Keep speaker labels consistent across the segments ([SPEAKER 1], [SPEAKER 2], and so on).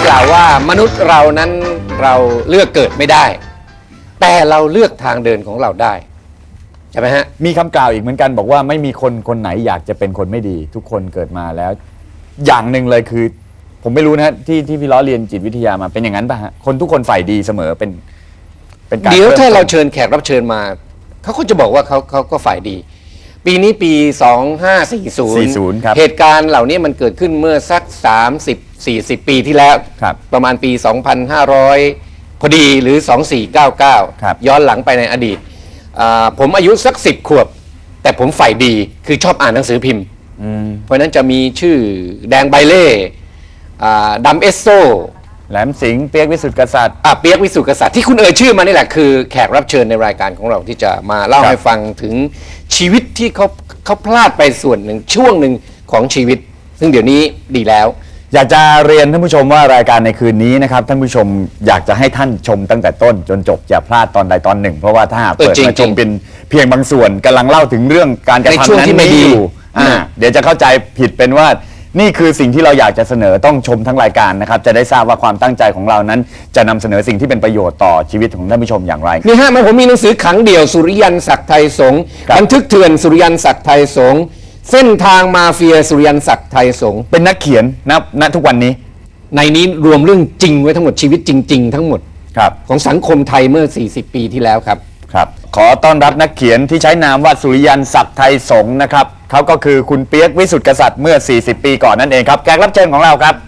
[SPEAKER 1] กล่าวว่ามนุษย์เรานั้นเราเลือกเกิดไม่ได้ แต่เราเลือกทางเดินของเราได้ใช่ไหมฮะ
[SPEAKER 2] มีคำกล่าวอีกเหมือนกันบอกว่าไม่มีคนไหนอยากจะเป็นคนไม่ดี ทุกคนเกิดมาแล้ว อย่างหนึ่งเลยคือ ผมไม่รู้นะฮะที่พี่ล้อเรียนจิตวิทยามาเป็นอย่างนั้นป่ะฮะคนทุกคนฝ่ายดีเสมอเป็นการ
[SPEAKER 1] เดี๋ยวถ้าเราเชิญแขกรับเชิญมาเขาก็จะบอกว่าเขาก็ฝ่ายดี ปีนี้ปี 2540
[SPEAKER 2] ครับ
[SPEAKER 1] เหตุการณ์เหล่านี้มันเกิดขึ้นเมื่อสัก 30-40 ปีที่แล้ว
[SPEAKER 2] ครับ
[SPEAKER 1] ประมาณปี 2500 พอดีหรือ
[SPEAKER 2] ครับ
[SPEAKER 1] 2499 ย้อนหลังไปในอดีตผมอายุสัก 10 ขวบ แต่ผมฝ่ายดีคือชอบอ่านหนังสือพิมพ์ เพราะฉะนั้นจะมีชื่อแดงใบเล่ดำเอสโซ
[SPEAKER 2] แหลมสิงห์เปียกวิสุทธิกษัตริย์
[SPEAKER 1] เปียกวิสุทธิกษัตริย์ที่คุณเอ่ยชื่อมานี่แหละคือแขกรับเชิญในรายการของเราที่จะมาเล่า
[SPEAKER 2] ครับ
[SPEAKER 1] ให้ฟังถึงชีวิตที่เขาพลาดไปส่วนหนึ่งช่วงหนึ่งของชีวิต ซึ่งเดี๋ยวนี้ดีแล้ว
[SPEAKER 2] อยากจะเรียนท่านผู้ชมว่ารายการในคืนนี้นะครับท่านผู้ชมอยากจะให้ท่านชมตั้งแต่ต้นจนจบอย่าพลาดตอนใดตอนหนึ่ง เพราะว่าถ้าหากเปิด
[SPEAKER 1] จริงๆ
[SPEAKER 2] มาชมเป็นเพียงบางส่วนกำลังเล่าถึงเรื่องการกระ
[SPEAKER 1] ในช่ว
[SPEAKER 2] ทำ
[SPEAKER 1] ง
[SPEAKER 2] นั้น
[SPEAKER 1] ที่ไม่ดี
[SPEAKER 2] อยู่เดี๋ยวจะเข้าใจผิดเป็นว่านี่คือสิ่งที่เราอยากจะเสนอต้องชมทั้งรายการนะครับจะได้ทราบว่าความตั้งใจของเรานั้น จะนำเสนอสิ่งที่เป็นประโยชน์ต่อชีวิตของท่านผู้ชมอย่างไร
[SPEAKER 1] นี่ฮะผมมีหนังสือขังเดี่ยวสุริยันศักดิ์ไทยสงฆ์
[SPEAKER 2] ครับ
[SPEAKER 1] บันทึกเถื่อนสุริยันศักดิ์ไทยสงฆ์เส้นทางมาเฟียสุริยันศักดิ์ไทยสงฆ์
[SPEAKER 2] เป็นนักเขียนณทุกวันนี้
[SPEAKER 1] ในนี้รวมเรื่องจริงไว้ทั้งหมดชีวิตจริง ๆ ทั้งหมด
[SPEAKER 2] ครับ
[SPEAKER 1] ของสังคมไทยเมื่อ 40 ปีที่แล้วครับ
[SPEAKER 2] ครับขอต้อนรับนักเขียนที่ใช้นามว่าสุริยันศักดิ์ไทยสงฆ์นะครับเขาก็คือคุณเปียกวิสุทธิกษัตริย์เมื่อ 40 ปีก่อนนั่นเองครับแขกรับเชิญของเราครับ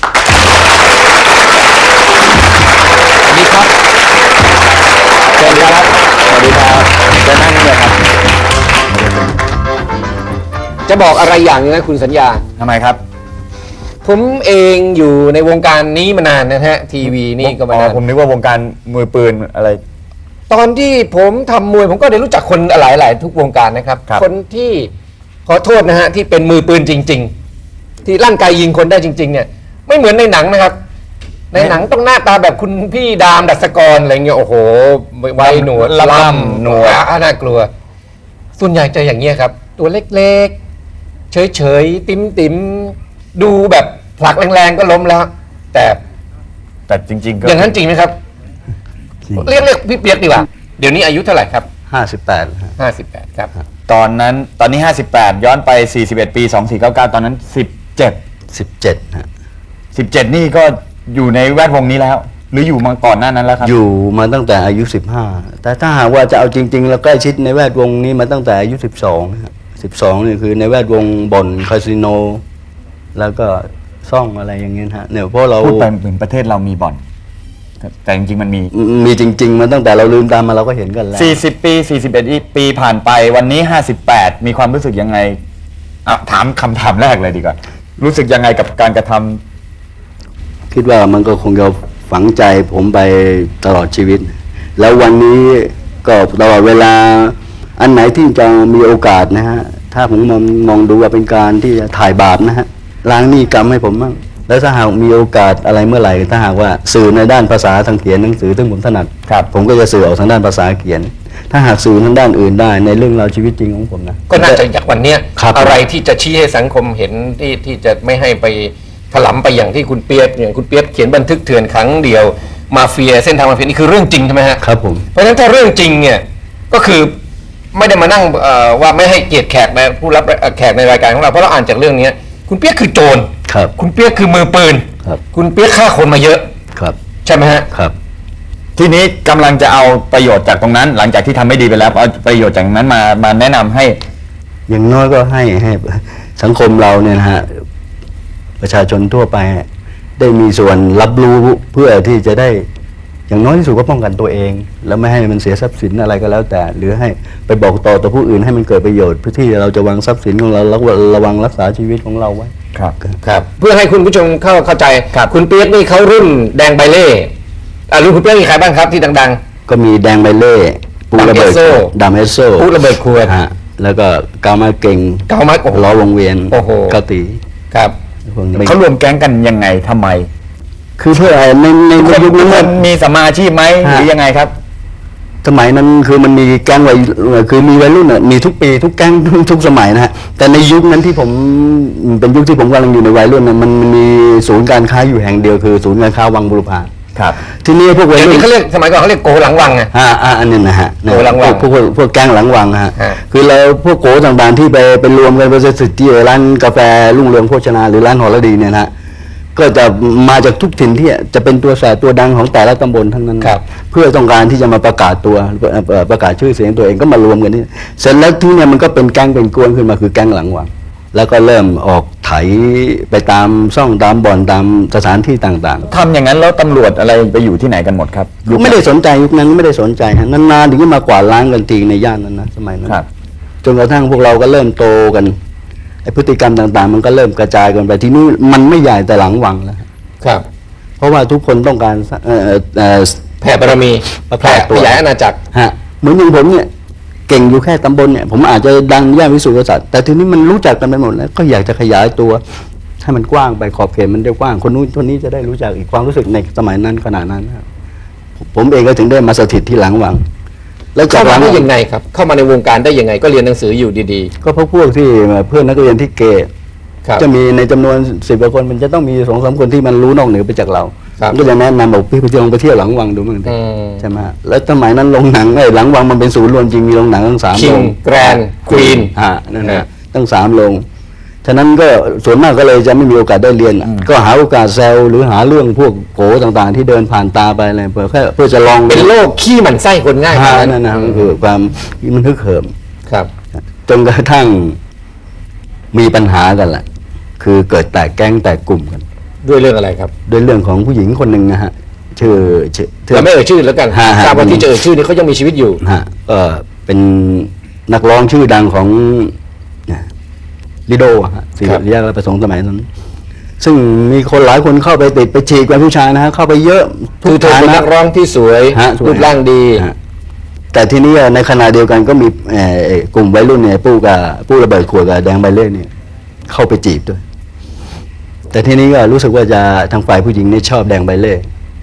[SPEAKER 2] สวัสดีครับสวัสดีครับสวัสดีครับจะนั่งนี่เลยครับ
[SPEAKER 1] จะบอกอะไรอย่างหนึงนะคุณสัญญา
[SPEAKER 2] ทำไมครับ
[SPEAKER 1] ผมเองอยู่ในวงการนี้มานานนะฮะทีวีนี่ก็มานาน
[SPEAKER 2] ผมนึกว่าวงการมือปืนอะไร
[SPEAKER 1] ตอนที่ผมทำมวยผมก็ได้รู้จักคนหลายๆทุกวงการนะครับ
[SPEAKER 2] ครับ
[SPEAKER 1] คนที่ขอโทษนะฮะที่เป็นมือปืนจริง ๆ ที่ลั่นไกยิงคนได้จริง ๆ เนี่ย ไม่เหมือนในหนังนะครับ ในหนังต้องหน้าตาแบบคุณพี่ดามดัชกรอะไรเงี้ยโอ้โหไว้หนวด
[SPEAKER 2] ล่ำหนวด
[SPEAKER 1] น่ากลัว ส่วนใหญ่จะอย่างเงี้ยครับ ตัวเล็กๆ เฉยๆ ติ๋มๆ ดูแบบผลักแรงๆก็ล้มแล้ว แต่
[SPEAKER 2] แต่จริงๆก็
[SPEAKER 1] อย่างนั้นจริงไหมครับ เรียกพี่เปียกดีกว่าเดี๋ยวนี้อายุเท่าไหร่ครับ
[SPEAKER 3] 58 ฮะ
[SPEAKER 1] 58 ครับ
[SPEAKER 2] ตอนนี้ 58 ย้อนไป 41 ปี 2499 ตอนนั้น
[SPEAKER 3] 17 ฮะ
[SPEAKER 2] 17 นี่ก็อยู่ในแวดวงนี้แล้ว หรืออยู่มาก่อนหน้านั้นแล้วครับ
[SPEAKER 3] อยู่มาตั้งแต่อายุ 15 แต่ถ้าหากว่าจะเอาจริง ๆ แล้วใกล้ชิดในแวดวงนี้มาตั้งแต่อายุ 12 ฮะ 12 นี่คือในแวดวงบ่อนคาสิโน แล้วก็ซ่องอะไรอย่างเงี้ยฮะเนี่ยเพราะเรา
[SPEAKER 2] พูดไปเหมือนประเทศเรามีบ่อน แต่จริงๆมันมี
[SPEAKER 3] มีจริง ๆ มาตั้งแต่เราลืมตามาเราก็เห็นกันแล้ว
[SPEAKER 2] 40 ปี 41 ปีผ่านไปวันนี้ 58 มีความรู้สึกยังไงถามคำถามแรกเลยดีกว่า รู้สึกยังไงกับการกระทำ
[SPEAKER 3] คิดว่ามันก็คงจะฝังใจผมไปตลอดชีวิต แล้ววันนี้ก็ตลอดเวลาอันไหนที่จะมีโอกาสนะฮะ ถ้าผมมองดูว่าเป็นการที่จะถ่ายบาปนะฮะล้างหนี้กรรมให้ผมบ้างแล้วถ้าหากมีโอกาสอะไรเมื่อไหร่ถ้าหากว่าสื่อในด้านภาษาทางเขียนหนังสือซึ่งผมถนัด
[SPEAKER 2] ครับ
[SPEAKER 3] ผมก็จะสื่อออกทางด้านภาษาเขียน ถ้าหากสื่อทางด้านอื่นได้ในเรื่องราวชีวิตจริงของผมนะ
[SPEAKER 1] ก็น่าจะจากวันเนี้ย
[SPEAKER 3] ครับ
[SPEAKER 1] อะไรที่จะชี้ให้สังคมเห็นที่จะไม่ให้ไปถลำไปอย่างที่คุณเปียกอย่างคุณเปียกเขียนบันทึกเถื่อนครั้งเดียวมาเฟียเส้นทางมาเฟียนี่คือเรื่องจริงใช่ไหมฮะ
[SPEAKER 3] ครับผม
[SPEAKER 1] เพราะฉะนั้นถ้าเรื่องจริงเนี่ยก็คือไม่ได้มานั่งว่าไม่ให้เกียรติแขกในผู้รับแขกในรายการของเราเพราะเราอ่านจากเรื่องนี้คุณเปียกคือโจร
[SPEAKER 3] ครับ
[SPEAKER 1] คุณเปียกคือมือปืน
[SPEAKER 3] ครับ
[SPEAKER 1] คุณเปียกฆ่าคนมาเยอะ
[SPEAKER 3] ครับ
[SPEAKER 1] ใช่ไหมฮะ
[SPEAKER 3] ครับ
[SPEAKER 2] ทีนี้กำลังจะเอาประโยชน์จากตรงนั้น หลังจากที่ทำไม่ดีไปแล้วเอาประโยชน์จากนั้นมาแนะนำให้
[SPEAKER 3] อย่างน้อยก็ให้สังคมเราเนี่ยนะฮะประชาชนทั่วไปได้มีส่วนรับรู้เพื่อที่จะได้อย่างน้อยที่สุดก็ป้องกันตัวเอง แล้วไม่ให้มันเสียทรัพย์สินอะไรก็แล้วแต่ หรือให้ไปบอกต่อผู้อื่นให้มันเกิดประโยชน์เพื่อที่เราจะวางทรัพย์สินของเราแล้วระวังรักษาชีวิตของเราไว้
[SPEAKER 2] ครับ
[SPEAKER 1] ครับเพื่อให้คุณผู้ชมเข้าใจคุณเปียกนี่เขารุ่นแดงใบเล่รุ่นคุณเปียกมีใครบ้างครับที่ดัง
[SPEAKER 3] ก็มีแดงใบเล่ปูระเบิดดำเอสโซ
[SPEAKER 1] ปูระเบิดขวด
[SPEAKER 3] ฮะแล้วก็กามาเก่ง
[SPEAKER 1] เกามาโอ้โห
[SPEAKER 3] ล้อวงเวียน
[SPEAKER 1] โอ้โห
[SPEAKER 3] เกาตี
[SPEAKER 1] ครับ
[SPEAKER 3] พวกนี้
[SPEAKER 2] เขารวมแก๊งกันยังไงทำไม
[SPEAKER 3] คือเพื่อใน
[SPEAKER 2] คน
[SPEAKER 3] ยุค
[SPEAKER 2] ทุ
[SPEAKER 3] นั้
[SPEAKER 2] ก
[SPEAKER 3] น
[SPEAKER 2] คนมีสัมมาอาชีพไหมหรือยังไงครับ
[SPEAKER 3] สมัยนั้นคือมันมีแก๊งวัยคือมีวัยรุ่นน่ะมีทุกปีทุกแก๊งทุกสมัยนะฮะแต่ในยุคนั้นที่ผมเป็นยุคที่ผมกำลังอยู่ในวัยรุ่นน่ะมันมีศูนย์การค้าอยู่แห่งเดียวคือศูนย์การค้าวังบุรพา
[SPEAKER 2] ครับ
[SPEAKER 3] ที่นี่พวกวัย
[SPEAKER 1] เดี๋ยว
[SPEAKER 3] รุ่
[SPEAKER 1] นี้
[SPEAKER 3] น
[SPEAKER 1] เขาเรียกสมัยก่อนเขาเรียกโกหลังวังไง
[SPEAKER 3] อันนี้นะฮะ
[SPEAKER 1] โกหลังวัง
[SPEAKER 3] พวกแก๊งหลังวังฮะ
[SPEAKER 1] ฮะ
[SPEAKER 3] คือเราพวกโกต่างๆที่ไปรวมกันไปสิทธิร้านกาแฟรุ่งเรืองโภชนาหรือร้านหอระดีเนี่ยนะฮะก็จะมาจากทุกถิ่นที่จะเป็นตัวแสบตัวดังของแต่ละตำบลทั้งนั้น
[SPEAKER 1] ครับ
[SPEAKER 3] เพื่อต้องการที่จะมาประกาศตัวประกาศชื่อเสียงตัวเองก็มารวมกันนี่เสร็จแล้วที่เนี่ยมันก็เป็นแก๊งเป็นกวนขึ้นมาคือแก๊งหลังวังแล้วก็เริ่มออกไถไปตามซ่องตามบ่อนตามสถานที่ต่างๆ
[SPEAKER 2] ทำอย่างนั้นแล้วตำรวจอะไรไปอยู่ที่ไหนกันหมดครับยุคนั้น
[SPEAKER 3] ไม่ได้สนใจยุคนั้นไม่ได้สนใจฮะนานๆถึงจะมากวาดล้างกันทีในย่านนั้นนะสมัยนั้น
[SPEAKER 2] ครับ
[SPEAKER 3] จนกระทั่งพวกเราก็เริ่มโตกันไอพฤติกรรมต่างๆ มันก็เริ่มกระจายกันไปทีนี้มันไม่ใหญ่แต่หลังวังแล้ว
[SPEAKER 1] ครับ
[SPEAKER 3] เพราะว่าทุกคนต้องการ
[SPEAKER 1] แผ่บารมี
[SPEAKER 3] ประ
[SPEAKER 1] แผ่
[SPEAKER 3] กาศตัว
[SPEAKER 1] ขยายอาณาจักร
[SPEAKER 3] ฮะเหมือนอย่างผมเนี่ยเก่งอยู่แค่ตำบลเนี่ยผมอาจจะดังย่านวิสุทธิกษัตริย์แต่ทีนี้มันรู้จักกันไปหมดแล้วก็อยากจะขยายตัวให้มันกว้างไปขอบเขตมันได้กว้างคนนู้นคนนี้จะได้รู้จักอีกความรู้สึกในสมัยนั้นขนาดนั้นนะครับผมเองก็ถึงได้มาสถิตที่หลังวัง แล้วจา
[SPEAKER 1] เข้าก
[SPEAKER 3] ห
[SPEAKER 1] มา
[SPEAKER 3] ลัง
[SPEAKER 1] ได้
[SPEAKER 3] วัง
[SPEAKER 1] ยังไงครับ เข้ามาในวงการได้ยังไงก็เรียนหนังสืออยู่ดี
[SPEAKER 3] ก็เพราะพวกที่เพื่อนนักเรียนที่เกย์
[SPEAKER 1] ๆ ครับ
[SPEAKER 3] จะมีในจำนวน10 กว่าคนมันจะต้องมี2-3 คนที่มันรู้นอกเหนือไปจากเรา
[SPEAKER 1] ครับ
[SPEAKER 3] ก็จะแนะนำบอกพี่ไปเที่ยวไปเที่ยวหลังวังดูมั้ง
[SPEAKER 1] อืม
[SPEAKER 3] ใช่ไหมแล้วสมัยนั้นโรงหนังหลังวังมันเป็นศูนย์รวมจริงมีโรงหนังตั้ง3
[SPEAKER 1] King
[SPEAKER 3] โรง
[SPEAKER 1] Grand Queen
[SPEAKER 3] นั่น
[SPEAKER 1] ฮะ
[SPEAKER 3] นะตั้ง3 โรงฉะนั้นก็ส่วนมากก็เลยจะไม่มีโอกาสได้เรียน ก็หาโอกาสแซวหรือหาเรื่องพวกโกต่างๆ ที่เดินผ่านตาไปอะไรเพื่อจะลอง
[SPEAKER 1] เป็นโรคขี้หมันไส้คนง่าย
[SPEAKER 3] หา
[SPEAKER 1] ขนาด
[SPEAKER 3] นั่นนะมันคือความมันฮึกเหิม
[SPEAKER 1] ครับ
[SPEAKER 3] จนกระทั่งมีปัญหากันแหละ คือเกิดแตกแก๊งแตกกลุ่มกัน
[SPEAKER 1] ด้วยเรื่องอะไรครับ
[SPEAKER 3] ด้วยเรื่องของผู้หญิงคนหนึ่งนะฮะชื่อ
[SPEAKER 1] เราไม่เอ่ยชื่อแล้วกัน
[SPEAKER 3] ฮะ
[SPEAKER 1] ทราบว่าที่จะเอ่ยชื่อนี้เขายังมีชีวิตอยู่
[SPEAKER 3] ฮะก็เป็นนักร้องชื่อดังของลิโดฮะศิริยะประสงค์สมัยนั้น ซึ่งมีคนหลายคนเข้าไปติดไปฉีกเป็นผู้ชายนะฮะเข้าไปเยอะทุ
[SPEAKER 1] คือก เธอ
[SPEAKER 3] ฐา
[SPEAKER 1] เป็น
[SPEAKER 3] นะ
[SPEAKER 1] นักร้องที่สวย
[SPEAKER 3] ฮะสวย
[SPEAKER 1] รูปร่างดี
[SPEAKER 3] ฮะแต่ทีนี้ในขณะเดียวกันก็มีกลุ่มวัยรุ่นเนี่ยปู้ระเบิดขวดกับแดงใบเล่เนี่ยเข้าไปจีบด้วย แต่ทีนี้ก็รู้สึกว่าจะทางฝ่ายผู้หญิงเนี่ยชอบแดงใบเล่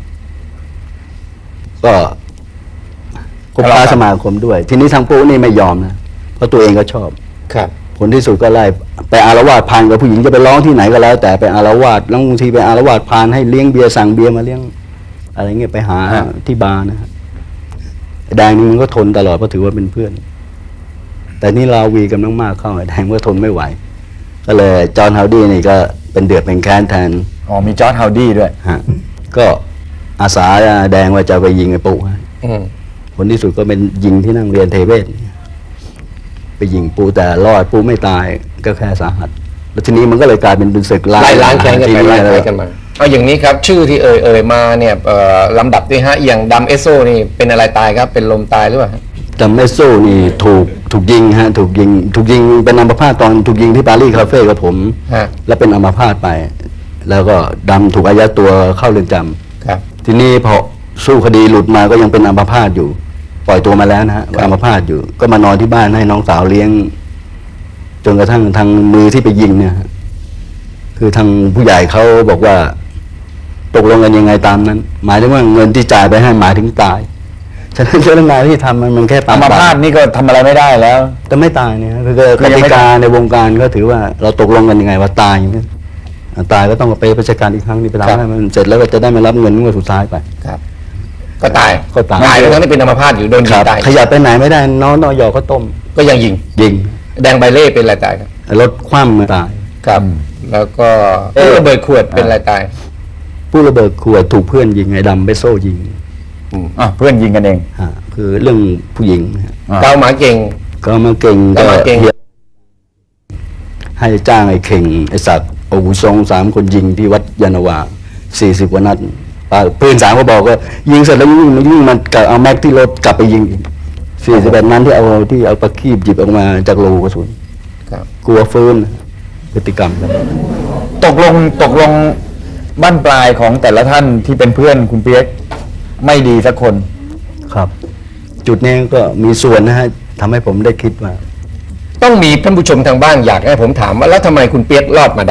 [SPEAKER 3] ก็คบค้าสมาคมด้วย ทีนี้ทางปู้นี่ไม่ยอมนะเพราะตัวเองก็ชอบ
[SPEAKER 1] ครับ
[SPEAKER 3] ผลที่สุดก็ไล่ไปอารวาสพานกับผู้หญิงจะไปร้องที่ไหนก็แล้ว แต่ไปอารวาสแล้วบางทีไปอารวาสพานให้เลี้ยงเบียร์สั่งเบียร์มาเลี้ยงอะไรเงี้ยไปหาที่บาร์นะฮะแดงนี่มันก็ทนตลอดเพราะถือว่าเป็นเพื่อน แต่นี่ลาวีกำลังมากเข้าแดงก็ทนไม่ไหว ก็เลยจอห์นฮาวดี้นี่ก็เป็นเดือดเป็นแค้นแทน
[SPEAKER 2] อ๋อมีจอร์จฮาวดี้ด้วย
[SPEAKER 3] ฮะก็อาสาแดงว่าจะไปยิงไอ้ปุ๊ฮะ
[SPEAKER 1] อืม
[SPEAKER 3] ผลที่สุดก็เป็นยิงที่นั่งเรียนเทเวศไปยิงปูแต่รอดปูไม่ตายก็แค่สาหัส แล้วทีนี้มันก็เลยกลายเป็นศึก
[SPEAKER 1] ไล่ล้างแค้นกัน
[SPEAKER 3] ที
[SPEAKER 1] ไปไล่ล้างกันมาเอาอย่างนี้ครับ ชื่อที่เอ่ยมาเนี่ยลำดับที่ฮะอย่างดำเอสโซนี่เป็นอะไรตายครับ เป็นลมตายหรือเปล่าฮะ
[SPEAKER 3] จำไม่สู้นี่ถูกยิงฮะถูกยิงเป็นอัมพาตตอนถูกยิงที่ปารีสคาเฟ่กับผม
[SPEAKER 1] ฮะ
[SPEAKER 3] แล้วเป็นอัมพาตไป แล้วก็ดำถูกอายัดตัวเข้าเรือนจำ
[SPEAKER 1] ครับ
[SPEAKER 3] ทีนี้พอสู้คดีหลุดมาก็ยังเป็นอัมพาตอยู่ ปล่อยตัวมาแล้วนะฮะ
[SPEAKER 1] ครับ
[SPEAKER 3] อัมพาตอยู่ ก็มานอนที่บ้านให้น้องสาวเลี้ยง จนกระทั่งทางมือที่ไปยิงเนี่ยฮะคือทางผู้ใหญ่เขาบอกว่า ตกลงกันยังไงตามนั้น หมายถึงว่าเงินที่จ่ายไปให้หมายถึงตายฉะนั้นเรื่องงานที่ทำมันแค่ป
[SPEAKER 2] อัมพาตนี่ก็ทำอะไรไม่ได้แล้ว
[SPEAKER 3] แต่ไม่ตายเนี่ยคือก
[SPEAKER 2] คือยัง
[SPEAKER 3] ติ
[SPEAKER 2] ไม่
[SPEAKER 3] กา
[SPEAKER 2] ตาย
[SPEAKER 3] ในวงการก็ถือว่าเราตกลงกันยังไงว่าตายอย่างนี้ตายก็ต้องไปราชการอีกครั้งนี้ไปทำให้มันเสร็จแล้วก็จะได้มารับเงินงวดสุดท้ายไป
[SPEAKER 1] ครับ ก็ตาย
[SPEAKER 3] ก็ตาย
[SPEAKER 1] ตายทั้งที่เป็นอัมพาตอยู่โดนยิงตาย
[SPEAKER 3] ขยับไปไหนไม่ได้น้องนอยอก็ต้ม
[SPEAKER 1] ก็ยังยิง
[SPEAKER 3] ยิง
[SPEAKER 1] แดงใบเล่เป็นอะไรตายครับ
[SPEAKER 3] รถคว่ำมาตาย
[SPEAKER 1] ครับ แล้วก็ลูกระเบิดขวดเป็นอะไรตาย
[SPEAKER 3] ผู้ระเบิดขวดถูกเพื่อนยิงไอ้ดำไปโซ่ยิง
[SPEAKER 2] เพื่อนยิงกันเอง
[SPEAKER 3] ฮะคือเรื่องผู้หญิงนะฮะ
[SPEAKER 1] เกาหมาเก่ง
[SPEAKER 3] ก็มาเก่ง
[SPEAKER 1] ก็มาเก่ง
[SPEAKER 3] ให้จ้างไอ้เข่งไอ้สัตว์โอ้โห2-3 คนยิงที่วัดยานนาวา40 กว่านัดปืน3ก็บอกก็ยิงเสร็จแล้วยิ่งมันกลับเอาแม็กที่รถกลับไปยิงอีก41 นัดที่เอาประคีบหยิบออกมาจากรูกระสุน
[SPEAKER 1] ครับ
[SPEAKER 3] กลัวฟื้นพฤติกรรมครับ
[SPEAKER 2] ตกลงบ้านปลายของแต่ละท่านที่เป็นเพื่อนคุณเปียกไม่ดีสักคน
[SPEAKER 3] ครับ จุดนี้ก็มีส่วนนะฮะทำให้ผมได้คิดว่า
[SPEAKER 1] ต้องมีท่านผู้ชมทางบ้านอยากให้ผมถามว่าแล้วทำไมคุณเปียกรอดมาได้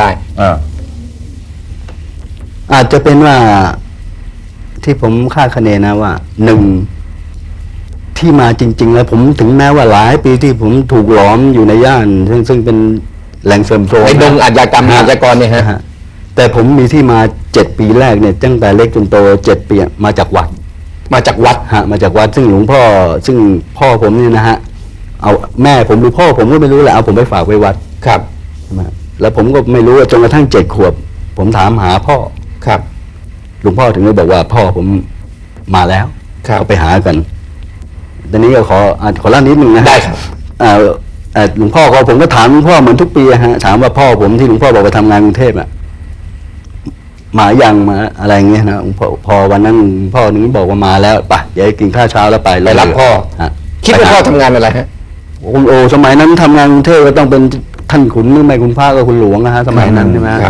[SPEAKER 3] อาจจะเป็นว่าที่ผมคาดคะเนนะว่าหนึ่งที่มาจริง ๆ แล้วผมถึงแม้ว่าหลายปีที่ผมถูกหลอมอยู่ในย่าน ซึ่งเป็นแหล่งเสริมโทรม
[SPEAKER 1] ในดงอาชญากรรมอาชญากรเนี่ยฮะ
[SPEAKER 3] ฮะแต่ผมมีที่มา7 ปีแรกเนี่ยตั้งแต่เล็กจนโต7 ปีมาจากวัด
[SPEAKER 1] มาจากวัด
[SPEAKER 3] ฮะมาจากวัดซึ่งหลวงพ่อซึ่งพ่อผมเนี่ยนะฮะเอาแม่ผมหรือพ่อผมก็ไม่รู้แหละเอาผมไปฝากไว้วัด
[SPEAKER 1] ครับ
[SPEAKER 3] ใช่ไหมแล้วผมก็ไม่รู้ว่าจนกระทั่ง7 ขวบ ผมถามหาพ่อ
[SPEAKER 1] ครับ
[SPEAKER 3] หลวงพ่อถึงได้บอกว่าพ่อผมมาแล้ว
[SPEAKER 1] ครับ
[SPEAKER 3] เอาไปหากันตอนนี้ก็ขอเล่านิดนึงนะฮะ
[SPEAKER 1] ได้ครับ
[SPEAKER 3] หลวงพ่อก็ผมก็ถามหลวงพ่อเหมือนทุกปีอะฮะถามว่าพ่อผมที่หลวงพ่อบอกไปทำงานกรุงเทพอะมายังมาอะไรเงี้ยนะหลวงพ่อพอวันนั้นหลวงพ่อหนึ่งบอกว่ามาแล้วไปเดี๋ยวกินข้าวเช้าแล้วไป
[SPEAKER 1] ไปรับพ่อ
[SPEAKER 3] ฮะ
[SPEAKER 1] คิดว่าพ่อทำงานอะไรฮะ
[SPEAKER 3] โอ้สมัยนั้นทำงานกรุงเทพก็ต้องเป็นท่านขุนหรือไม่คุณพระก็คุณหลวงนะฮะสมัยนั้นใช่ไหมฮะ
[SPEAKER 1] ครับ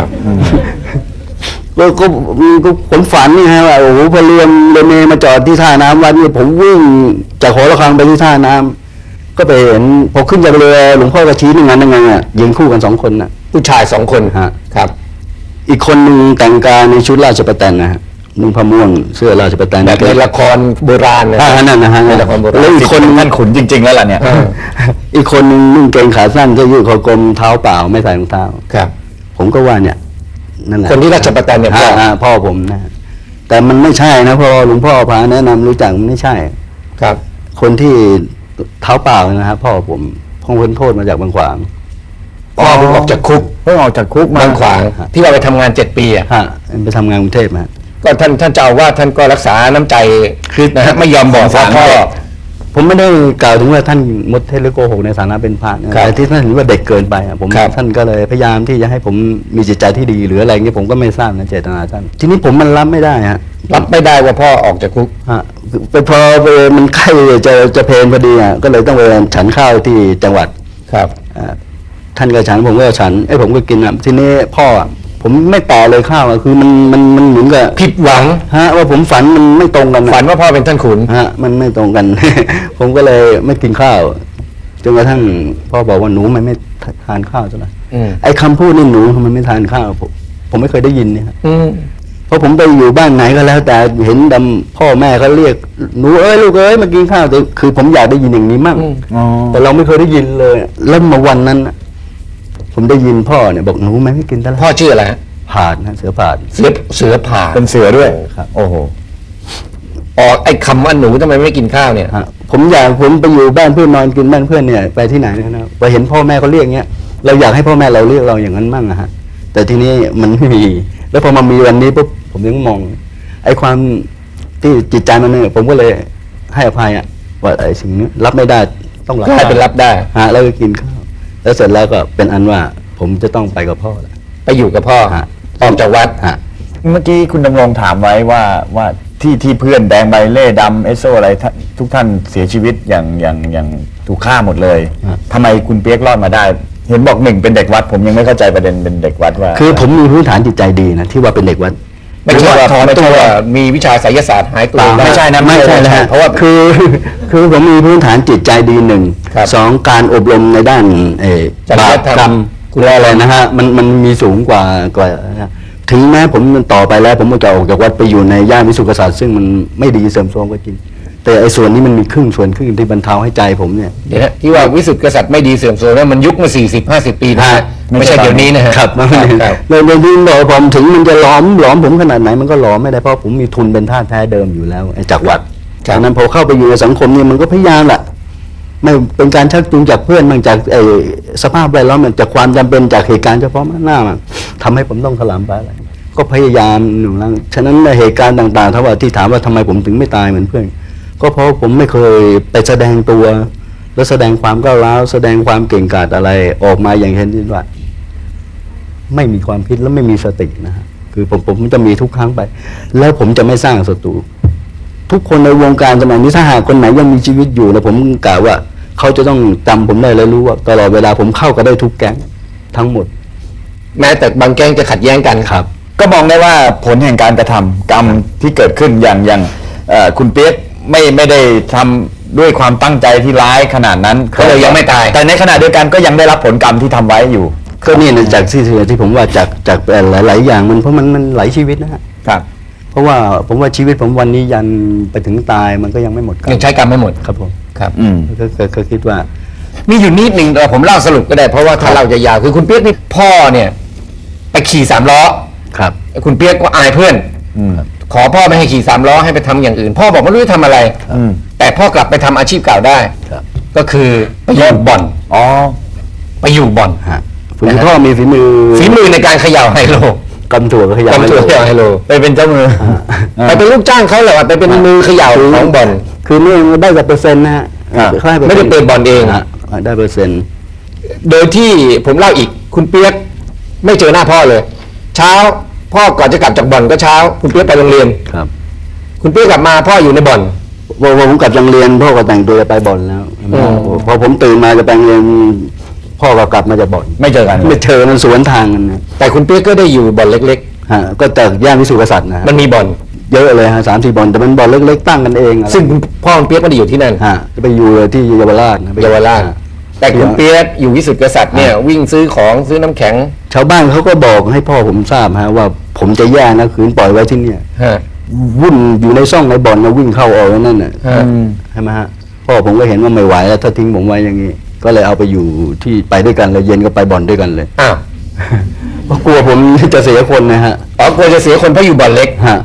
[SPEAKER 3] ก็ผมฝันนี่ฮะว่าโอ้โหพอเรือเมย์มาจอดที่ท่าน้ำวัดนี่ผมวิ่งจากหอระฆังไปที่ท่าน้ำก็ไปเห็นพอขึ้นจากเรือหลวงพ่อก็ชี้นั่งไงอ่ะยืนคู่กัน2 คนน่ะ
[SPEAKER 1] ผู้ชาย2 คน
[SPEAKER 3] ฮะ
[SPEAKER 1] ครับ
[SPEAKER 3] อีกคนหนึ่งแต่งกายในชุดราชประแตนนะฮะนุ่งผ้าม่วงเสื้อราชประแตน
[SPEAKER 1] แบบในละครโบราณนะ
[SPEAKER 3] นั่นนะฮะ
[SPEAKER 1] ในละครโบราณ
[SPEAKER 3] แล้วอีกคน
[SPEAKER 2] ท่านขุนจริง ๆ แล้วล่ะเนี่ย
[SPEAKER 3] อีกคนหนึ่งนุ่งเกงขาสั้นเสื้อยืดคอกลมเท้าเปล่าไม่ใส่รองเท้า
[SPEAKER 1] ครับ
[SPEAKER 3] ผมก็ว่าเนี่ยนั่นแหละ
[SPEAKER 1] คนที่ราชประแตนเนี่ยพ่อ
[SPEAKER 3] พ่อผมนะฮะแต่มันไม่ใช่นะพอหลวงพ่อพาแนะนำรู้จักมันไม่ใช่
[SPEAKER 1] ครับ
[SPEAKER 3] คนที่เท้าเปล่านะครับพ่อผมพ้นโทษมาจากบางขวาง
[SPEAKER 1] พ่อเพิ่งออกจากคุก
[SPEAKER 2] เพิ่งออกจากคุกมา
[SPEAKER 1] บางขวางที่เราไปทำงาน7 ปีอ่ะ
[SPEAKER 3] ฮะไปทำงานกรุงเทพมา
[SPEAKER 1] ก็ท่านเจ้าอาว่าสท่านก็รักษาน้ำใจนะฮะไม่ยอมบอกว่าพ่อ
[SPEAKER 3] ผมไม่ได้กล่าวถึงว่าท่านมดเท็จหรือโกหกในฐานะเป็นพระนะครับ แต่ที่ท่านเห็นว่าเด็กเกินไปอะผม
[SPEAKER 1] ครับ
[SPEAKER 3] ท่านก็เลยพยายามที่จะให้ผมมีจิตใจที่ดีหรืออะไรเงี้ยผมก็ไม่ทราบนะเจตนาท่านทีนี้ผมมันรับไม่ได้ฮะ
[SPEAKER 1] รับไม่ได้ว่าพ่อออกจากคุก
[SPEAKER 3] ฮะพอมันใกล้จะเพลนพอดีอ่ะก็เลยต้องไปฉันข้าวที่จังหวัด
[SPEAKER 1] ครับ
[SPEAKER 3] ท่านก็ฉันผมก็ฉันผมก็กินอ่ะทีนี้พ่ออะผมไม่ต่อเลยข้าวอ่ะคือมันเหมือนกับ
[SPEAKER 1] ผิดหวัง
[SPEAKER 3] ฮะว่าผมฝันมันไม่ตรงกันอะ
[SPEAKER 1] ฝันว่าพ่อเป็นท่านขุน
[SPEAKER 3] ฮะมันไม่ตรงกัน ผมก็เลยไม่กินข้าวจนกระทั่งพ่อบอกว่าหนูมันไม่ทานข้าวใช่ไหม
[SPEAKER 1] อืม
[SPEAKER 3] ไอ้คำพูดนี่หนูทำไมไม่ทานข้าวผมไม่เคยได้ยินเนี่ยฮะ
[SPEAKER 1] อืม
[SPEAKER 3] เพราะผมไปอยู่บ้านไหนก็แล้ว แต่เห็นพ่อแม่เขาเรียกหนูเอ้ยลูกเอ้ยมากินข้าวแต่คือผมอยากได้ยินอย่างนี้มั่ง
[SPEAKER 1] อืม
[SPEAKER 2] อ๋อ
[SPEAKER 3] แต่เราไม่เคยได้ยินเลยแล้วมาวันนั้นน่ะผมได้ยินพ่อเนี่ยบอกหนูไม่กินแต่ละ
[SPEAKER 1] พ่อชื่ออะไรฮะ
[SPEAKER 3] ผาดนะเสือผาด
[SPEAKER 1] เสือผ่า
[SPEAKER 2] เป็นเสือด้วย
[SPEAKER 3] ครับ
[SPEAKER 2] โอ้โห
[SPEAKER 1] ออกไอ้คำว่าหนูทำไมไม่กินข้าวเนี่ย
[SPEAKER 3] ฮะผมไปอยู่บ้านเพื่อนนอนกินบ้านเพื่อนเนี่ยไปที่ไหนนะครับไปเห็นพ่อแม่เขาเรียกเงี้ยเราอยากให้พ่อแม่เราเรียกเราอย่างนั้นมั่งอะฮะแต่ทีนี้มันไม่มีแล้วพอมามีวันนี้ปุ๊บผมถึงมอง ไอ้ความที่จิตใจมันเนี่ยผมก็เลยให้อภัยอะว่าไอ้สิ่งนี้รับไม่ได้ต้องรับ
[SPEAKER 1] กลายเป็นรับได้
[SPEAKER 3] ฮะแล้วก็กินข้าวแล้วเสร็จแล้วก็เป็นอันว่าผมจะต้องไปกับพ่อแล้ว
[SPEAKER 1] ไปอยู่กับพ่อ
[SPEAKER 3] ฮะ
[SPEAKER 1] ออกจากวัด
[SPEAKER 3] ฮะ
[SPEAKER 2] เมื่อกี้คุณดำรงถามไว้ว่าที่เพื่อนแดงใบเล่ดำเอสโซอะไรทุกท่านเสียชีวิตอย่างถูกฆ่าหมดเลย
[SPEAKER 3] ฮะ
[SPEAKER 2] ทำไมคุณเปียกรอดมาได้ เห็นบอกหนึ่งเป็นเด็กวัด ผมยังไม่เข้าใจประเด็นเป็นเด็กวัดว่า
[SPEAKER 3] คือผมมีพื้นฐานจิตใจดีนะที่ว่าเป็นเด็กวัด
[SPEAKER 1] ไม่ใช่ว่า
[SPEAKER 2] ถอน
[SPEAKER 1] ไม่
[SPEAKER 2] ตั
[SPEAKER 1] ใช่
[SPEAKER 2] ว
[SPEAKER 1] ว่ามีวิชาไสยศาสตร์หายตัว
[SPEAKER 2] ไม่ใช่นะ
[SPEAKER 3] ไม่ใช่นะฮะ
[SPEAKER 1] เพราะว่า
[SPEAKER 3] คือผมมีพื้นฐานจิตใจดีหนึ่ง
[SPEAKER 1] ครับ
[SPEAKER 3] สองการอบรมในด้าน
[SPEAKER 1] จริ
[SPEAKER 3] บาย ป
[SPEAKER 1] ธรรม
[SPEAKER 3] กรรมคุณอะไรนะฮะมันมีสูงกว่าถึงแม้ผมมันต่อไปแล้ว ผมจะออกจากวัดไปอยู่ในย่านวิสุทธิกษัตริย์ซึ่งมันไม่ดีเสริมโทรมก็จริงแต่ไอ้ส่วนนี้มันมีส่วนครึ่งที่บรรเทาให้ใจผมเนี่ย
[SPEAKER 1] เดี๋ยวนะที่ว่าวิสุทธิกษัตริย์ไม่ดีเสื่อมโทรมนั้นมันยุคมา40-50 ปีนะฮะ
[SPEAKER 3] ฮะ
[SPEAKER 1] ไม่ใช่เดี๋ยวนี้นะฮะ
[SPEAKER 3] ครับเลยที่บอกผมถึงมันจะหลอมผมขนาดไหนมันก็หลอมไม่ได้เพราะผมมีทุนเป็นท่าแท้เดิมอยู่แล้วไอ้จากวัด
[SPEAKER 1] ครับ
[SPEAKER 3] ฉะนั้นพอเข้าไปอยู่ในสังคมเนี่ยมันก็พยายามแหละไม่เป็นการชักจูงจากเพื่อนบางจากสภาพแวดล้อมมันจากความจำเป็นจากเหตุการณ์เฉพาะหน้ามันทำให้ผมต้องถลำไปอะไรก็พยายามอยู่แล้วฉะนั้นในเหตุการณ์ต่างๆถ้าว่าที่ถามว่าทำไมผมถึงไม่ตายเหมือนเพื่อนก็เพราะผมไม่เคยไปแสดงตัว แล้วแสดงความก้าวร้าวแสดงความเก่งกาจอะไรออกมาอย่างเห็นว่า ไม่มีความคิดและไม่มีสตินะฮะคือผมจะมีทุกครั้งไป แล้วผมจะไม่สร้างศัตรูทุกคนในวงการสมัยนี้ถ้าหากคนไหนยังมีชีวิตอยู่นะผมกล่าวว่าเขาจะต้องจำผมได้และรู้ว่าตลอดเวลาผมเข้ากันได้ทุกแก๊งทั้งหมด
[SPEAKER 1] แม้แต่บางแก๊งจะขัดแย้งกัน
[SPEAKER 3] ครับ
[SPEAKER 2] ก็มองได้ว่าผลแห่งการกระทำกรรมที่เกิดขึ้นอย่างคุณเปียกไม่ได้ทำด้วยความตั้งใจที่ร้ายขนาดนั้น
[SPEAKER 1] ก็เลยยังไม่ตาย
[SPEAKER 2] แต่ในขณะเดียวกันก็ยังได้รับผลกรรมที่ทำไว้อยู่
[SPEAKER 3] ก็นี่นะจากที่ผมว่าจากหลายๆอย่างมันเพราะมันหลายชีวิตนะฮะ
[SPEAKER 2] ครับ
[SPEAKER 3] เพราะว่าผมว่าชีวิตผมวันนี้ยันไปถึงตายมันก็ยังไม่หมดกรร
[SPEAKER 1] ยัง
[SPEAKER 3] ม
[SPEAKER 1] ใช้กรรมไม่หมด
[SPEAKER 3] ครับผม
[SPEAKER 1] ครับ
[SPEAKER 3] ก็คิดว่า
[SPEAKER 1] มีอยู่นิดหนึ่งแต่ผมเล่าสรุปก็ได้เพราะว่าถ้าเราจะยาวคือคุณเปียกนี่พ่อเนี่ยไปขี่สามล้อ
[SPEAKER 3] ครับ
[SPEAKER 1] คุณเปียกก็อายเพื่อน ขอพ่อไม่ให้ขี่สามล้อให้ไปทำอย่างอื่น พ่อบอกไม่รู้จะทำอะไร แต่พ่อกลับไปทำอาชีพเก่าได้
[SPEAKER 3] ครับ
[SPEAKER 1] ก็คือไปอยู่บ่อน
[SPEAKER 2] อ๋อ
[SPEAKER 1] ไปอยู่บ่อน
[SPEAKER 3] ฮะคุณพ่อมีฝีมือ
[SPEAKER 1] ในการเขย่าไฮโล
[SPEAKER 3] กำถั่วก็ขยัน
[SPEAKER 1] กำถั่วเขย่าไฮโล
[SPEAKER 2] ไปเป็นเจ้ามือ
[SPEAKER 1] ไปเป็นลูกจ้างเขาเหรอไปเป็นมือเขย่าของบ่อน
[SPEAKER 3] คือนี่ได้กับเปอร์เซ็นต์นะฮะ
[SPEAKER 2] ครับ
[SPEAKER 3] เขาให้ปอร์
[SPEAKER 1] ไม่
[SPEAKER 3] ซ็น
[SPEAKER 1] ได้
[SPEAKER 3] ต์
[SPEAKER 1] เปิดบ่อนเอง
[SPEAKER 3] ฮะได้เปอร์เซ็นต์
[SPEAKER 1] โดยที่ผมเล่าอีกคุณเปียกไม่เจอหน้าพ่อเลย เช้าพ่อก่อนจะกลับจากบ่อนก็เช้า คุณเปียกไปโรงเรียน
[SPEAKER 3] ครับ
[SPEAKER 1] คุณเปียกกลับมาพ่ออยู่ในบ่อน
[SPEAKER 3] พอผมกลับจากเรียนพ่อก็แต่งตัวจะไปบ่อนแล้ว
[SPEAKER 1] อ๋อ
[SPEAKER 3] พอผมตื่นมาจะไปโรงเรียนพ่อก็กลับมาจากบ่อน
[SPEAKER 2] ไม่เจอกัน
[SPEAKER 3] ไม่เจอมันสวนทางกันนะ
[SPEAKER 1] แต่คุณเปียกก็ได้อยู่บ่อนเล็ก
[SPEAKER 3] ฮะก็แต่ย่านวิสุทธิกษัตริย์นะฮะ
[SPEAKER 1] ๆ มันมีบ่อน
[SPEAKER 3] เยอะเลยฮะ3-4บ่อนแต่มันบ่อนเล็กๆตั้งกันเองอะไร
[SPEAKER 1] ซึ่งคุณพ่อคุณเปียกไม่ได้อยู่ที่นั่น
[SPEAKER 3] ฮะจะไปอยู่ที่เยาวราชนะ
[SPEAKER 1] เยาวราช
[SPEAKER 3] ฮะ
[SPEAKER 1] แต่คุณเปียกอยู่วิสุทธิกษัตริย์เนี่ยวิ่งซื้อของซื้อน้ำแข็ง
[SPEAKER 3] ชาวบ้านเขาก็บอกให้พ่อผมทราบฮะว่าผมจะแย่นะขืนปล่อยไว้ที่เนี่ย
[SPEAKER 1] ฮะ
[SPEAKER 3] วุ่นอยู่ในซ่องในบ่อนนะวิ่งเข้าออกนั่นน่ะ
[SPEAKER 1] ฮะ
[SPEAKER 3] ใช่ไหมฮะพ่อผมก็เห็นว่าไม่ไหวแล้วถ้าทิ้งผมไว้อย่างนี้ ก็เลยเอาไปอยู่ที่ไปด้วยกันเลยเย็นก็ไปบ่อนด้วยกันเลย
[SPEAKER 1] อ้าว
[SPEAKER 3] เพราะกลัวผมจะเสียคนนะฮะ
[SPEAKER 1] อ๋อกลัวจะเสียคนเพราะอยู่บ่อนเล็ก
[SPEAKER 3] ฮะ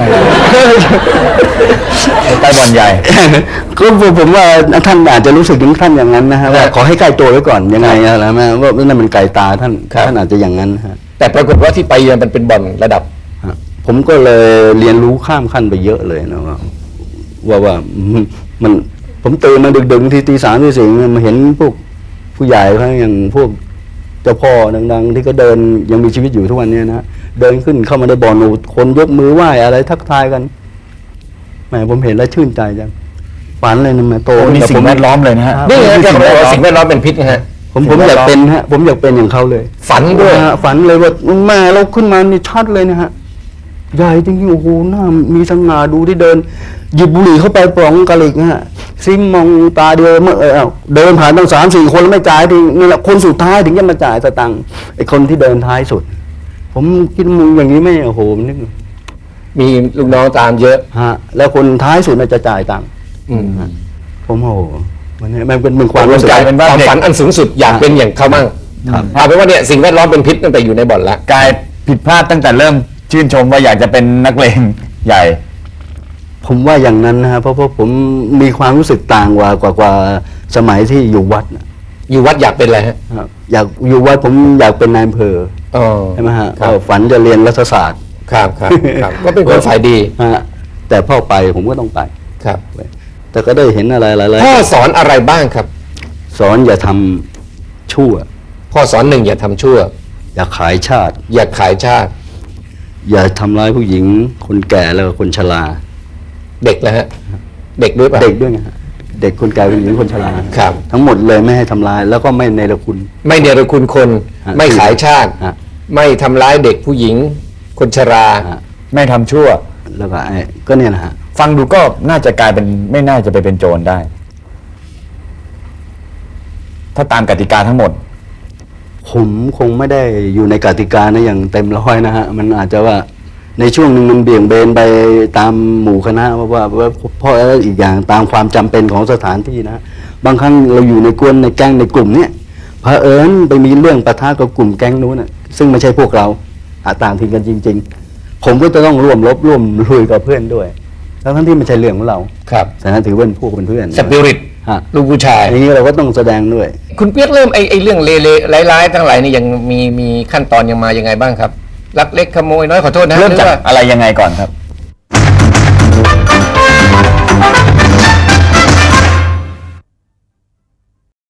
[SPEAKER 2] ไปบ่อนใหญ่
[SPEAKER 3] ก็ผมว่าท่านอาจจะรู้สึกถึงท่านอย่างนั้นนะฮะว่าขอให้ใกล้ตัวไว้ก่อนยังไงอะไรไหมว่านั่นมันไก่ตาท่าน
[SPEAKER 1] ครับ
[SPEAKER 3] ท่านอาจจะอย่างนั้นฮะ
[SPEAKER 1] แต่ปรากฏว่าที่ไปเนี่ยมันเป็นบ่อนระดับ
[SPEAKER 3] ฮะผมก็เลยเรียนรู้ข้ามขั้นไปเยอะเลยนะว่ามันผมตื่นมาดึกๆที3ตี 4มาเห็นพวกผู้ใหญ่เขาอย่างพวกเจ้าพ่อดังๆที่ก็เดินยังมีชีวิตอยู่ทุกวันเนี้นะเดินขึ้นเข้ามาในบ่อนคนยกมือไหว้อะไรทักทายกันแหมผมเห็นแล้วชื่นใจจังฝันเลยนะแม่โต
[SPEAKER 2] โอ้นี่
[SPEAKER 3] แต่
[SPEAKER 2] สิ่
[SPEAKER 3] ผ
[SPEAKER 2] ง
[SPEAKER 3] ม
[SPEAKER 2] แวดล้อมเลยนะฮะ
[SPEAKER 3] ครับ
[SPEAKER 1] นี่ไงแกบอกว่าสิ่งแวดล้อมเป็นพิษนะฮะ
[SPEAKER 3] ผมอยากเป็นฮะผมอยากเป็นอย่างเขาเลย
[SPEAKER 1] ฝันด้วย
[SPEAKER 3] ฝันเลยว่าแม่เราขึ้นมานี่ชัดเลยนะฮะใหญ่จริงๆโอ้โหหน้ามีสง่าดูที่เดินหยิบบุหรี่เข้าไปปล่องกะหลิกฮะซิมมองตาเดียวเมื่อเดินผ่านตั้ง3-4 คนแล้วไม่จ่ายทีนี่แหละคนสุดท้ายถึงจะมาจ่ายสตังค์ไอ้คนที่เดินท้ายสุด ผมคิดมึงอย่างนี้ไม่โอ้โหนึก
[SPEAKER 1] มีลูกน้องตามเยอะ
[SPEAKER 3] ฮะแล้วคนท้ายสุดน่ะจะจ่ายตังค์
[SPEAKER 1] อืม
[SPEAKER 3] ผมโอ้โหมันเป็นความ
[SPEAKER 1] รว
[SPEAKER 3] รู้
[SPEAKER 1] ม
[SPEAKER 3] สึก
[SPEAKER 1] กลายเป็นว่าความฝันอันสูงสุดอยากเป็นอย่างเขามั่ง
[SPEAKER 3] ครับ
[SPEAKER 1] เอาเป็นว่าเนี่ยสิ่งแวดล้อมเป็นพิษตั้งแต่อยู่ในบ่อนละ
[SPEAKER 2] กลายผิดพลาดตั้งแต่เริ่มชื่นชมว่าอยากจะเป็นนักเลงใหญ่
[SPEAKER 3] ผมว่าอย่างนั้นนะฮะเพราะผมมีความรู้สึกต่างกว่าสมัยที่อยู่วัดนะ
[SPEAKER 1] อยู่วัดอยากเป็นอะไรฮะ
[SPEAKER 3] ครับอยากอยู่วัดผมอยากเป็นนายอำเภอ
[SPEAKER 1] อ๋อ
[SPEAKER 3] ใช่ไหมฮะ
[SPEAKER 1] ครับ
[SPEAKER 3] ฝันจะเรียนรัฐศาสตร์
[SPEAKER 1] ครับครับครับ ก็เป็นคนฝ่ายดี
[SPEAKER 3] ฮะแต่พ่อไปผมก็ต้องไป
[SPEAKER 1] ครับ
[SPEAKER 3] แต่ก็ได้เห็นอะไรหลาย
[SPEAKER 1] พ่อสอนอะไรบ้างครับ
[SPEAKER 3] ๆสอนอย่าทำชั่ว
[SPEAKER 1] พ่อสอนหนึ่งอย่าทำชั่ว
[SPEAKER 3] อย่าขายชาติ
[SPEAKER 1] อย่าขายชาติ
[SPEAKER 3] อย่าทำร้ายผู้หญิง คนแก่แล้วก็คนชรา
[SPEAKER 1] เด็กนะฮะเด็กด้วยป่ะ
[SPEAKER 3] เด็กด้วยไงฮะเด็กคนแก่คนหญิงคนชรา
[SPEAKER 1] ครับ
[SPEAKER 3] ทั้งหมดเลยไม่ให้ทำร้าย แล้วก็ไม่ในละคุณ
[SPEAKER 1] ไม่เนรคุณคน
[SPEAKER 3] ฮะ
[SPEAKER 1] ไม่ขายชาติ
[SPEAKER 3] ฮะ
[SPEAKER 1] ไม่ทำร้ายเด็กผู้หญิง คนชรา
[SPEAKER 3] ฮะ
[SPEAKER 2] ไม่ทำชั่ว
[SPEAKER 3] แล้วก็ก็เนี่ยนะฮะ
[SPEAKER 2] ฟังดูก็น่าจะกลายเป็นไม่น่าจะไปเป็นโจรได้ ถ้าตามกติกาทั้งหมด
[SPEAKER 3] ผมคงไม่ได้อยู่ในกติกานะอย่างเต็มร้อยนะฮะ มันอาจจะว่าในช่วงหนึ่งมันเบี่ยงเบนไปตามหมู่คณะว่าเพราะอีกอย่างตามความจำเป็นของสถานที่นะ บางครั้งเราอยู่ในกวนในแก๊งในกลุ่มเนี้ยเผอิญไปมีเรื่องปะทะกับกลุ่มแก๊งนู้นนะซึ่งไม่ใช่พวกเราต่างถิ่นกันจริง ๆ ผมก็จะต้องร่วมรบร่วมลุยกับเพื่อนด้วยทั้งที่ไม่ใช่เรื่องของเรา
[SPEAKER 1] ครับ
[SPEAKER 3] แต่นั้นถือว่าเป็นพวกเป็นเพื่อน
[SPEAKER 1] สปิริต
[SPEAKER 3] ฮะ
[SPEAKER 1] ลูกผู้ชาย
[SPEAKER 3] อย่างนี้เราก็ต้องแสดงด้วย
[SPEAKER 1] คุณเปียกเริ่มไอ้เรื่องเลๆร้ายๆทั้งหลายนี่ยังมีขั้นตอนยังมายังไงบ้างครับลักเล็กขโมยน้อยขอโทษนะ
[SPEAKER 2] เริ่มจาก
[SPEAKER 1] หอว่า
[SPEAKER 2] อะไรยังไงก่อนครับ